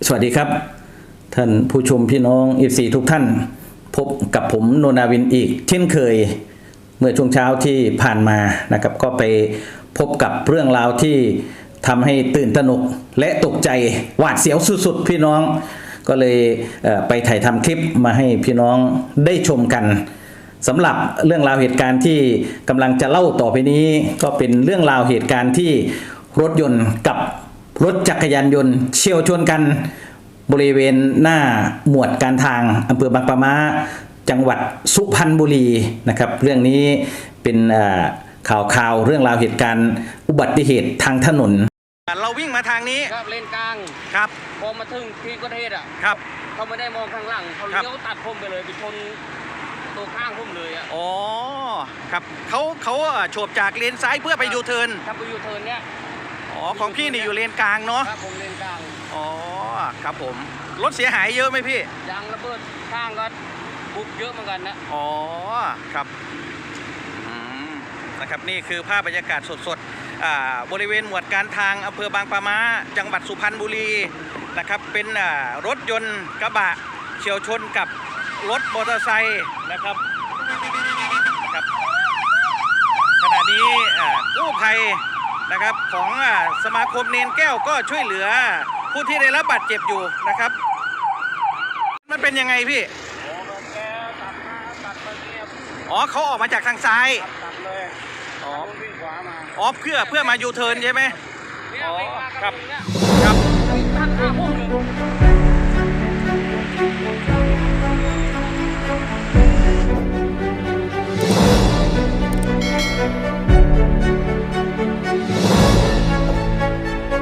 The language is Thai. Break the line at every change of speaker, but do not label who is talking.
สวัสดีครับท่านผู้ชมพี่น้องFCทุกท่านพบกับผมโนนาวินอีกเช่นเคยเมื่อช่วงเช้าที่ผ่านมานะครับก็ไปพบกับเรื่องราวที่ทำให้ตื่นตระหนกและตกใจหวาดเสียวสุดๆพี่น้องก็เลยไปถ่ายทำคลิปมาให้พี่น้องได้ชมกันสำหรับเรื่องราวเหตุการณ์ที่กำลังจะเล่าต่อไปนี้ก็เป็นเรื่องราวเหตุการณ์ที่รถยนต์กับรถจักรยานยนต์เฉี่ยวชนกันบริเวณหน้าหมวดการทางอำเภอบางปะมาจังหวัดสุพรรณบุรีนะครับเรื่องนี้เป็นข่าวเรื่องราวเหตุการณ์อุบัติเหตุทางถนนเราวิ่งมาทางนี้
ครับเลนกลาง
ครับ
พอมาถึงที่เกิดเหตุอ่ะ
ครับ
เขาไม่ได้มองข้างหลังเขาเลี้ยวตัดผมไปเลยไปชนตัวข้างผมเลยอ่ะ
อ๋อครับเขาโฉบจากเลนซ้ายเพื่อไปยูเทิร์น
ครับไปยูเทิร์นเนี้ย
อ๋อของพี่นี่อยู่เลนกลางเนาะ
ครับผมเลนกลาง
อ๋อครับผมรถเสียหายเยอะไหมพี่
ยางระเบิดข้างก็บุบเยอะเหมือนกันนะ
อ๋อครับนะครับนี่คือภาพบรรยากาศสดๆบริเวณหมวดการทางอำเภอบางปะมาจังหวัดสุพรรณบุรีนะครับเป็นรถยนต์กระบะเฉี่ยวชนกับรถมอเตอร์ไซค์นะครับขณะนี้กู้ภัยนะครับของสมาคมเนนแก้วก็ช่วยเหลือผู้ที่ได้รับบาดเจ็บอยู่นะครับมันเป็นยังไงพี่อ๋อเขาออกมาจากทางซ้าย
ตัดเลย
อ๋อ
วิ่งขวามา
อ๋อเพื่อมายูเทิร์นใช่ไหม
อ๋อ
ครับครับ
ตัดข้างพุ่งเลย